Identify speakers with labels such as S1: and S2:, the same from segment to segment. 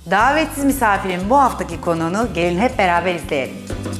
S1: Davetsiz misafirin bu haftaki konuğunu gelin hep beraber izleyelim.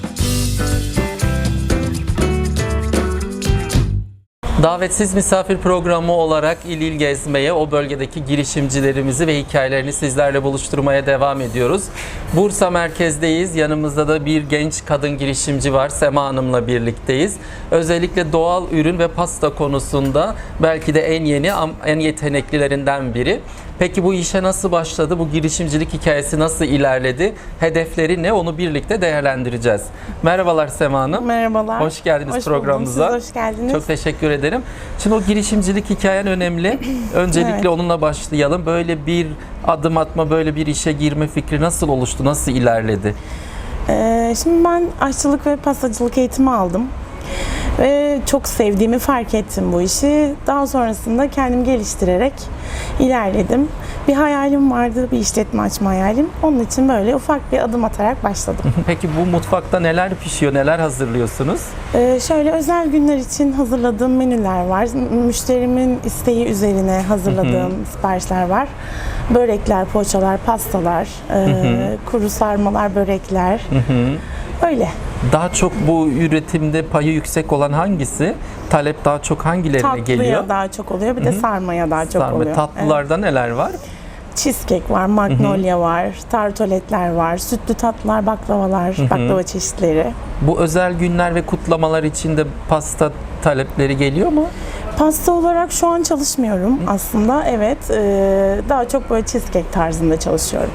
S2: Davetsiz misafir programı olarak il il gezmeye, o bölgedeki girişimcilerimizi ve hikayelerini sizlerle buluşturmaya devam ediyoruz. Bursa merkezdeyiz. Yanımızda da bir genç kadın girişimci var. Sema Hanım'la birlikteyiz. Özellikle doğal ürün ve pasta konusunda belki de en yeni, en yeteneklilerinden biri. Peki bu işe nasıl başladı? Bu girişimcilik hikayesi nasıl ilerledi? Hedefleri ne? Onu birlikte değerlendireceğiz. Merhabalar Sema Hanım.
S3: Merhabalar.
S2: Hoş geldiniz programımıza.
S3: Siz hoş geldiniz.
S2: Çok teşekkür ederim. Şimdi o girişimcilik hikayen önemli. Öncelikle
S3: Evet.
S2: onunla başlayalım. Böyle bir adım atma, böyle bir işe girme fikri nasıl oluştu? Nasıl ilerledi?
S3: Şimdi ben aşçılık ve pastacılık eğitimi aldım. Ve çok sevdiğimi fark ettim bu işi. Daha sonrasında kendimi geliştirerek ilerledim. Bir hayalim vardı, bir işletme açma hayalim. Onun için böyle ufak bir adım atarak başladım.
S2: Peki bu mutfakta neler pişiyor, neler hazırlıyorsunuz?
S3: Şöyle özel günler için hazırladığım menüler var. Müşterimin isteği üzerine hazırladığım siparişler var. Börekler, poğaçalar, pastalar, kuru sarmalar, börekler. Öyle.
S2: Daha çok bu üretimde payı yüksek olan hangisi? Talep daha çok hangilerine
S3: Tatlıya
S2: geliyor?
S3: daha çok oluyor. Bir de sarmaya daha çok
S2: Sarma.
S3: oluyor.
S2: Tatlılarda neler var?
S3: Cheesecake var, magnolia var, tartoletler var, sütlü tatlılar, baklavalar, baklava çeşitleri.
S2: Bu özel günler ve kutlamalar için de pasta talepleri geliyor mu?
S3: Pasta olarak şu an çalışmıyorum aslında. Evet, daha çok böyle cheesecake tarzında çalışıyorum.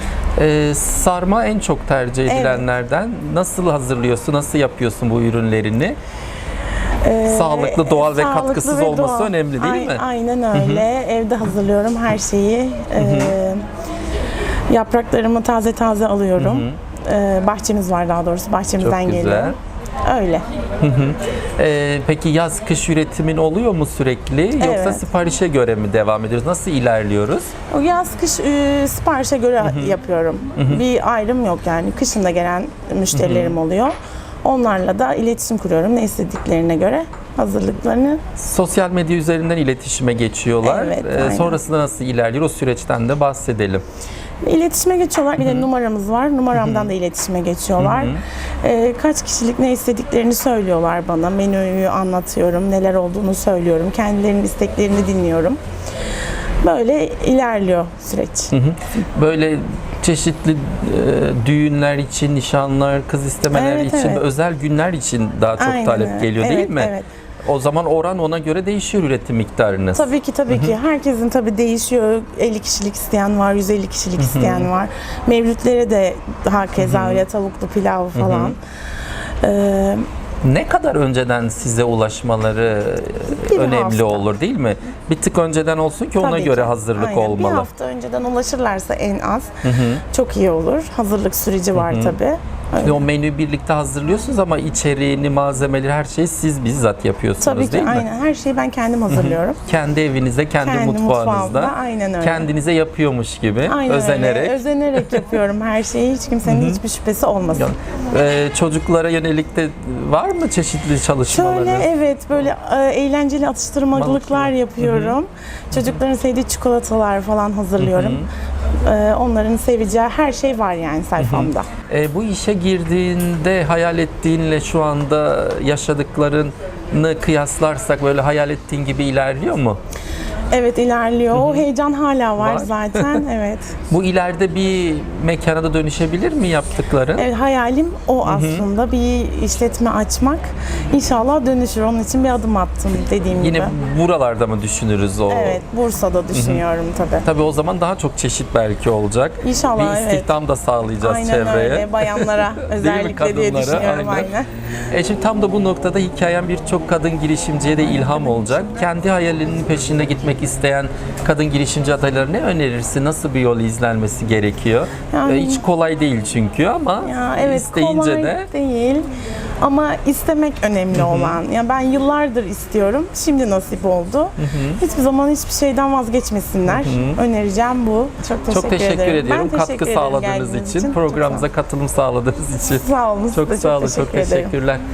S2: Sarma en çok tercih edilenlerden. Nasıl hazırlıyorsun, nasıl yapıyorsun bu ürünlerini? Sağlıklı, doğal ve
S3: Sağlıklı
S2: katkısız
S3: ve
S2: olması
S3: doğal.
S2: önemli değil mi?
S3: Aynen öyle. Evde hazırlıyorum her şeyi. Yapraklarımı taze taze alıyorum. Bahçemiz var, daha doğrusu bahçemizden
S2: Çok güzel.
S3: geliyor. Öyle.
S2: Peki yaz kış üretimin oluyor mu sürekli yoksa
S3: Evet.
S2: siparişe göre mi devam ediyoruz? Nasıl ilerliyoruz?
S3: O yaz kış siparişe göre yapıyorum. Bir ayrım yok yani. Kışın da gelen müşterilerim oluyor. Onlarla da iletişim kuruyorum. Ne istediklerine göre hazırlıklarını.
S2: Sosyal medya üzerinden iletişime geçiyorlar.
S3: Evet, aynen.
S2: Sonrasında nasıl ilerliyor? O süreçten de bahsedelim.
S3: İletişime geçiyorlar. Bir de numaramız var. Numaramdan da iletişime geçiyorlar. Kaç kişilik ne istediklerini söylüyorlar bana. Menüyü anlatıyorum. Neler olduğunu söylüyorum. Kendilerinin isteklerini dinliyorum. Böyle ilerliyor süreç.
S2: Böyle çeşitli düğünler için, nişanlar, kız istemeler
S3: Evet,
S2: için
S3: evet.
S2: ve özel günler için daha çok
S3: Aynen
S2: talep
S3: öyle.
S2: geliyor değil
S3: Evet,
S2: mi?
S3: evet.
S2: O zaman oran ona göre değişiyor üretim miktarınız.
S3: Tabii ki. Herkesin tabii değişiyor. 50 kişilik isteyen var, 150 kişilik isteyen var. Mevlütlere de hakeza öyle tavuklu pilav falan.
S2: Ne kadar önceden size ulaşmaları
S3: Bir
S2: önemli
S3: hafta.
S2: olur değil mi? Bir tık önceden olsun ki ona
S3: Tabii
S2: göre
S3: ki.
S2: hazırlık
S3: Aynen.
S2: olmalı.
S3: Bir hafta önceden ulaşırlarsa en az çok iyi olur. Hazırlık süreci var tabii.
S2: Şimdi o menüyü birlikte hazırlıyorsunuz ama içeriğini, malzemeleri, her şeyi siz bizzat yapıyorsunuz
S3: Tabii ki
S2: değil mi?
S3: aynen. Her şeyi ben kendim hazırlıyorum.
S2: Kendi evinizde, kendi mutfağınızda,
S3: mutfağımda, aynen öyle.
S2: kendinize yapıyormuş gibi,
S3: Aynen
S2: özenerek.
S3: öyle. Özenerek yapıyorum her şeyi. Hiç kimsenin hiçbir şüphesi olmasın.
S2: Çocuklara yönelik de var mı çeşitli çalışmalarınız?
S3: Şöyle evet böyle eğlenceli atıştırmalıklar yapıyorum. Çocukların sevdiği çikolatalar falan hazırlıyorum. Onların seveceği her şey var yani sayfamda.
S2: Bu işe girdiğinde hayal ettiğinle şu anda yaşadıklarını kıyaslarsak böyle hayal ettiğin gibi ilerliyor mu?
S3: Evet ilerliyor. O heyecan hala var
S2: Var.
S3: zaten. Evet.
S2: Bu ileride bir mekana da dönüşebilir mi yaptıkların?
S3: Evet hayalim o aslında bir işletme açmak. İnşallah dönüşür. Onun için bir adım attım dediğim
S2: Yine
S3: gibi.
S2: buralarda mı düşünürüz o?
S3: Evet Bursa'da düşünüyorum tabii.
S2: Tabii o zaman daha çok çeşit belki olacak.
S3: İnşallah,
S2: bir istihdam da sağlayacağız
S3: Aynen
S2: çevreye.
S3: öyle. Bayanlara özellikle diye
S2: Kadınlara,
S3: düşünüyorum aynen.
S2: Şimdi tam da bu noktada hikayen birçok kadın girişimciye de ilham olacak. Kendi hayalinin peşinde gitmek isteyen kadın girişimci adayları ne önerirsin? Nasıl bir yol izlenmesi gerekiyor?
S3: Yani-
S2: Hiç kolay değil çünkü ama
S3: Ya evet
S2: isteyince
S3: kolay
S2: de
S3: değil ama istemek önemli olan. Ya ben yıllardır istiyorum. Şimdi nasip oldu. Hiçbir zaman hiçbir şeyden vazgeçmesinler. Önereceğim bu. Çok teşekkür ederim.
S2: ediyorum.
S3: Ben
S2: Katkı
S3: teşekkür ederim
S2: sağladığınız
S3: geldiğiniz
S2: için,
S3: Çok
S2: programımıza katılım sağladığınız için.
S3: sağ olun.
S2: Çok
S3: Size
S2: sağ olun, çok
S3: teşekkür ederim.
S2: teşekkürler.